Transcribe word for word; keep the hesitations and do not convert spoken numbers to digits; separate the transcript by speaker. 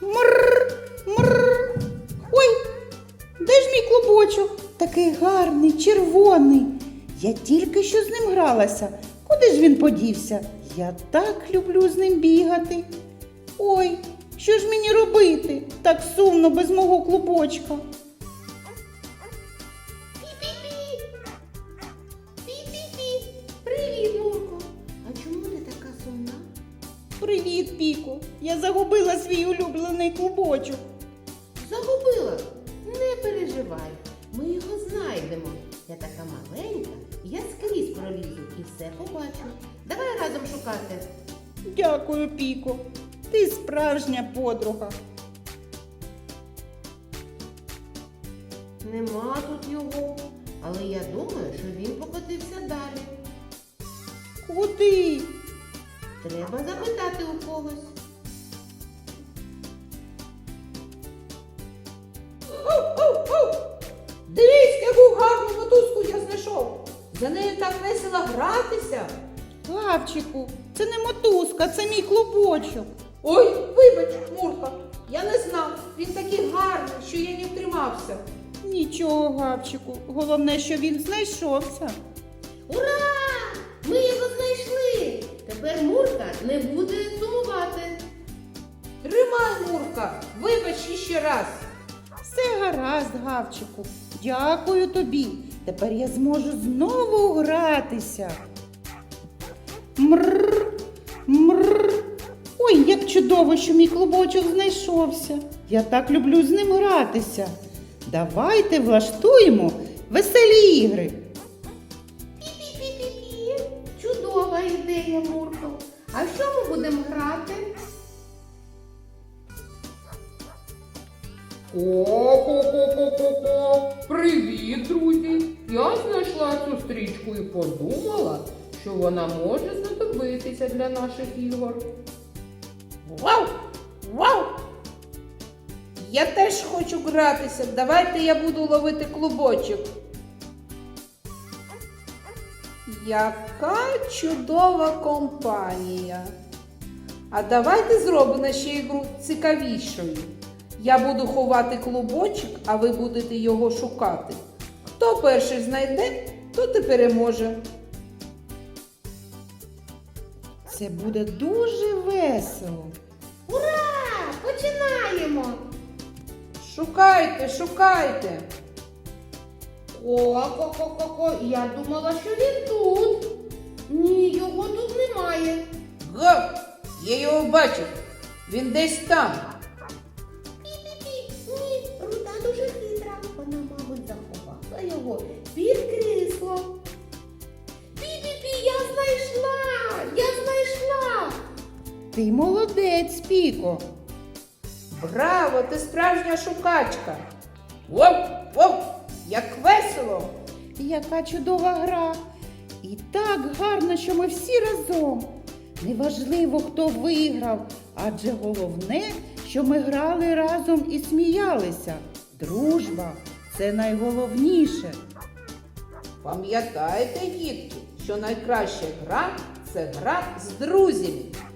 Speaker 1: Мрррр, мрррр. Ой, де ж мій клубочок? Такий гарний, червоний. Я тільки що з ним гралася. Куди ж він подівся? Я так люблю з ним бігати. Ой, що ж мені робити? Так сумно без мого клубочка.
Speaker 2: Пі-пі-пі! Пі-пі-пі! Привіт, Мурко! А чому ти така сумна?
Speaker 1: Привіт, Піко. Я загубила свій улюблений клубочок.
Speaker 2: Загубила? Не переживай, ми його знайдемо. Я така маленька, я скрізь пролізу і все побачу. Давай разом шукати.
Speaker 1: Дякую, Піко. Ти справжня подруга.
Speaker 2: Нема тут його, але я думаю, що він покотився далі.
Speaker 1: Куди?
Speaker 2: Треба запитати у когось.
Speaker 3: Дивись, яку гарну мотузку я знайшов. За нею так весело гратися.
Speaker 1: Гавчику, це не мотузка, це мій клубочок.
Speaker 3: Ой, вибач, Мурка, я не знав. Він такий гарний, що я не втримався.
Speaker 1: Нічого, Гавчику. Головне, що він знайшовся.
Speaker 2: Ура! Ми його знайшли! Тепер Мурка не буде сумувати.
Speaker 3: Тримай, Мурка, вибач іще раз.
Speaker 1: Все гаразд, Гавчику. Дякую тобі. Тепер я зможу знову гратися. Мрррр, мрррр. Ой, як чудово, що мій клубочок знайшовся. Я так люблю з ним гратися. Давайте влаштуємо веселі ігри.
Speaker 2: Пі-пі-пі-пі-пі. Чудова ідея, Мурко. А в що ми будемо грати?
Speaker 4: Ко-ко-ко-ко-ко-ко! Привіт, друзі! Я знайшла цю стрічку і подумала, що вона може знадобитися для наших ігор.
Speaker 3: Вау! Вау! Я теж хочу гратися. Давайте я буду ловити клубочок. Яка чудова компанія. А давайте зробимо ще ігру цікавішою. Я буду ховати клубочок, а ви будете його шукати. Хто перший знайде, той і переможе.
Speaker 1: Це буде дуже весело.
Speaker 2: Ура! Починаємо!
Speaker 3: Шукайте, шукайте.
Speaker 2: Ко-ко-ко-ко-ко. Я думала, що він тут. Ні, його тут немає.
Speaker 3: Гав! Я його бачив. Він десь там.
Speaker 2: Пі-пі-пі. Ні, Рута дуже хитра. Вона, мабуть, заховала його під крісло. Пі-пі-пі, я знайшла! Я знайшла!
Speaker 1: Ти молодець, Піко.
Speaker 3: Браво, ти справжня шукачка. Воу, воу, як весело.
Speaker 1: Яка чудова гра. І так гарно, що ми всі разом. Неважливо, хто виграв, адже головне, що ми грали разом і сміялися. Дружба – це найголовніше.
Speaker 3: Пам'ятайте, дітки, що найкраща гра – це гра з друзями.